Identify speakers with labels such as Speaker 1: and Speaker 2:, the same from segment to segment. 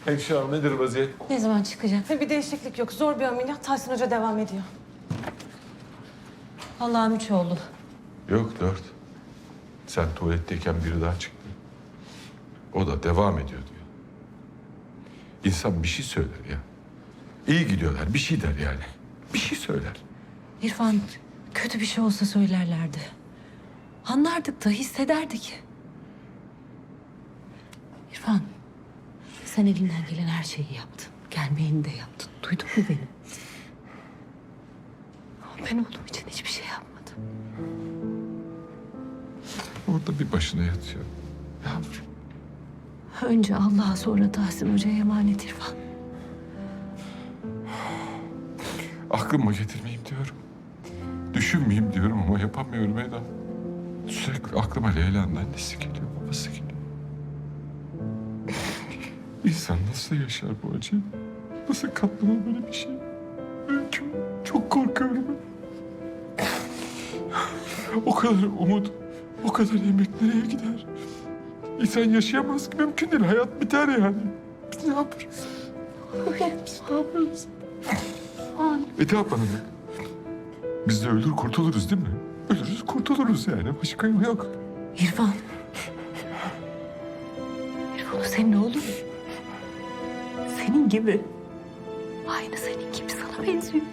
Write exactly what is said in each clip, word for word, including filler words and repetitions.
Speaker 1: Hemşire hanım nedir vaziyet?
Speaker 2: Ne zaman çıkacak?
Speaker 3: Bir değişiklik yok. Zor bir ameliyat. Tahsin Hoca devam ediyor.
Speaker 2: Allah'ım üç oldu.
Speaker 1: Yok dört. Sen tuvaletteyken biri daha çıktı. O da devam ediyor diyor. İnsan bir şey söyler ya. İyi gidiyorlar bir şey der yani. Bir şey söyler.
Speaker 2: İrfan, kötü bir şey olsa söylerlerdi. Anlardık da hissederdik. İrfan, sen elinden gelen her şeyi yaptın. Gelmeyeni de yaptın. Duydun mu beni? Ama ben oğlum için hiçbir şey yapmadım.
Speaker 1: Orada bir başına yatıyor. Yavrum.
Speaker 2: Önce Allah'a sonra Tahsin Hoca'ya emanet İrfan.
Speaker 1: Aklıma getirmeyeyim diyorum. Düşünmeyeyim diyorum ama yapamıyorum Eda. Sürekli aklıma Leyla'nın annesi geliyor, babası geliyor. İnsan nasıl yaşar bu acıyı? Nasıl katlanır böyle bir şey? Ben çok, çok korkuyorum. O kadar umut, o kadar emek nereye gider? İnsan yaşayamaz ki, mümkün değil. Hayat biter yani. Biz ne yaparız? Biz ne yaparız? Eda bana bak. Biz de ölür kurtuluruz değil mi? Ölürüz kurtuluruz yani. Başka yolu yok.
Speaker 2: İrfan. İrfan o senin oğlun. Senin gibi. Aynı senin gibi sana benziyor.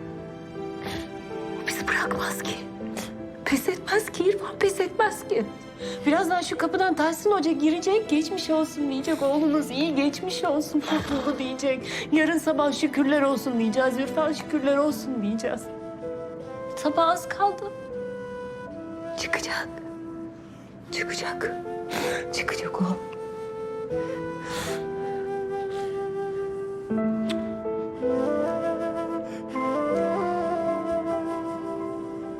Speaker 2: O bizi bırakmaz ki. Pes etmez ki İrfan, pes etmez ki. Birazdan şu kapıdan Tahsin Hoca girecek, geçmiş olsun diyecek. Oğlunuz iyi, geçmiş olsun, kurtuldu diyecek. Yarın sabah şükürler olsun diyeceğiz. İrfan şükürler olsun diyeceğiz. Sabah az kaldı. Çıkacak. Çıkacak. Çıkacak o.